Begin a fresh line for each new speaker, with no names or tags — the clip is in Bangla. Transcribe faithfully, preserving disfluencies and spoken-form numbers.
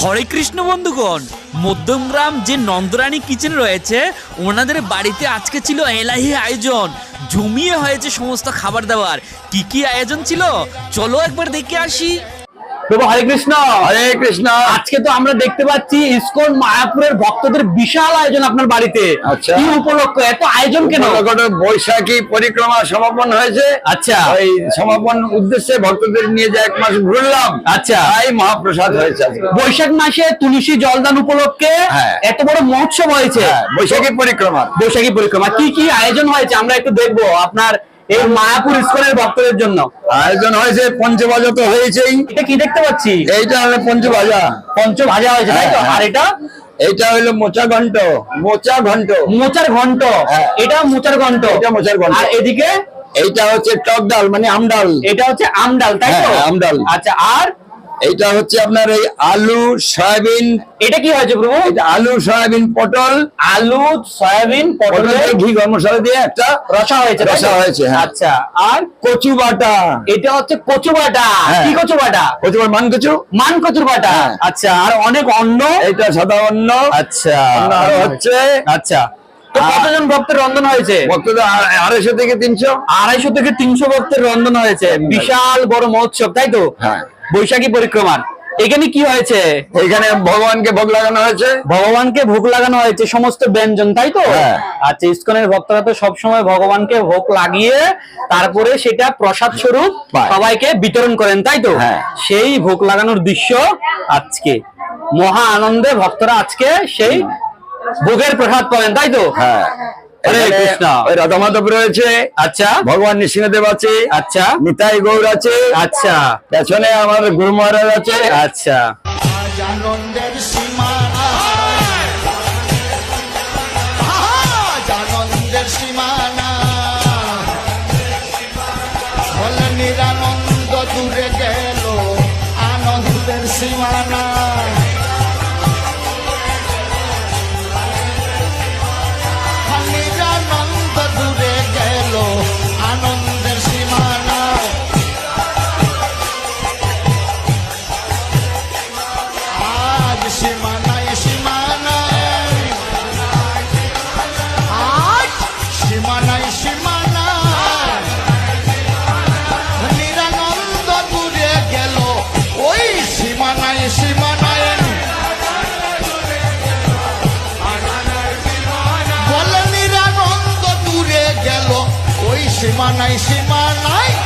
হরে কৃষ্ণ বন্ধুগণ, মধ্যমগ্রাম যে নন্দরানী কিচেন রয়েছে ওনাদের বাড়িতে আজকে ছিল এলাহি আয়োজন। জমিয়ে হয়েছে সমস্ত খাবার দাবার। কি কি আয়োজন ছিল চলো একবার দেখে আসি।
প্রভু হরে কৃষ্ণ।
হরে কৃষ্ণ।
আজকে তো আমরা দেখতে পাচ্ছি ইসকন মায়াপুরের ভক্তদের বিশাল আয়োজন আপনার বাড়িতে।
আচ্ছা,
কি উপলক্ষ এত আয়োজন কেন?
বৈশাখী পরিক্রমা সমাপন হয়েছে।
আচ্ছা,
ওই সমাপন উদ্দেশ্যে ভক্তদের নিয়ে যে এক মাস ঘুরলাম।
আচ্ছা,
তাই মহাপ্রসাদ হয়েছে।
বৈশাখ মাসে তুলসী জলদান উপলক্ষে
হ্যাঁ।
এত বড় মহোৎসব হয়েছে।
হ্যাঁ, বৈশাখী পরিক্রমা।
বৈশাখী পরিক্রমা কি কি আয়োজন হয়েছে আমরা একটু দেখবো আপনার এই মায়াপুর ইসকনের ভক্তদের জন্য।
আয়োজন হয়েছে, পঞ্চভাজা তো হয়েছেই।
এটা কি দেখতে পাচ্ছি?
এইটা হলো পঞ্চভাজা।
পঞ্চভাজা হয়েছে তাই তো? আর এটা
এইটা হলো মোচা ঘন্ট। মোচা ঘন্ট
মোচার ঘন্ট।
হ্যাঁ।
এটা মোচার ঘন্ট।
এটা মোচার ঘন্ট।
আর এদিকে
এইটা হচ্ছে টক ডাল, মানে আমডাল।
এটা হচ্ছে আমডাল তাই তো?
হ্যাঁ, আমডাল।
আচ্ছা, আর
এইটা হচ্ছে আপনার এই আলু সয়াবিন।
এটা কি হয়েছে প্রভু?
এটা আলু সয়াবিন পটল।
আলু সয়াবিন পটল
পটলের ঘি গরম মশলা দিয়ে একটা
রসা হয়েছে।
রসা হয়েছে, হ্যাঁ।
আচ্ছা, আর
কচু বাটা।
এটা হচ্ছে কচু বাটা।
হ্যাঁ।
কি কচু বাটা?
কচু বাটা, মান কচু।
মান কচুর বাটা।
হ্যাঁ।
আচ্ছা, আর অনেক অন্ন।
এইটা সাদা অন্ন।
আচ্ছা,
অন্ন আরো হচ্ছে।
আচ্ছা, তো
আর-
কতজন ভক্তের রন্ধন হয়েছে?
ভক্তদের আ- আড়াইশো থেকে তিনশো।
আড়াইশো থেকে তিনশো ভক্তের রন্ধন হয়েছে। বিশাল বড় মহোৎসব তাই তো?
হ্যাঁ।
বৈশাখী পরিক্রমার এখানে কি হয়েছে?
এখানে ভগবানকে ভোগ লাগানো হয়েছে।
ভগবানকে ভোগ লাগানো হয়েছে সমস্ত ব্যঞ্জন তাই তো?
হ্যাঁ।
আচ্ছা, ইসকনের ভক্তরা তো সবসময় ভগবানকে ভোগ লাগিয়ে তারপরে সেটা প্রসাদ স্বরূপ
পায়।
সবাইকে বিতরণ করেন তাই তো?
হ্যাঁ।
সেই ভোগ লাগানোর দৃশ্য আজকে মহা আনন্দে ভক্তরা আজকে সেই ভোগের প্রসাদ করেন তাই তো?
হ্যাঁ।
হরে
এখানে
কৃষ্ণ।
ওই রাধা মাধব রয়েছে।
আচ্ছা,
ভগবান নৃসিংহদেব আছে।
আচ্ছা,
নিতাই গৌর আছে।
আচ্ছা,
পেছনে আমার গুরু মহারাজ আছে।
আচ্ছা,
আনন্দের সীমানা, আজ আনন্দের সীমানা, বলে নিরানন্দ দূরে গেল আনন্দের সীমানা। নিরানন্দ দূরে গেল আনন্দের সীমানা। আজ সীমানায় সীমানায়, আজ সীমানায় সীমানায়, নিরানন্দ দূরে গেল ওই সীমানায় সীমানায়। বলে নিরানন্দ দূরে গেল ওই সীমানায় সীমানায়।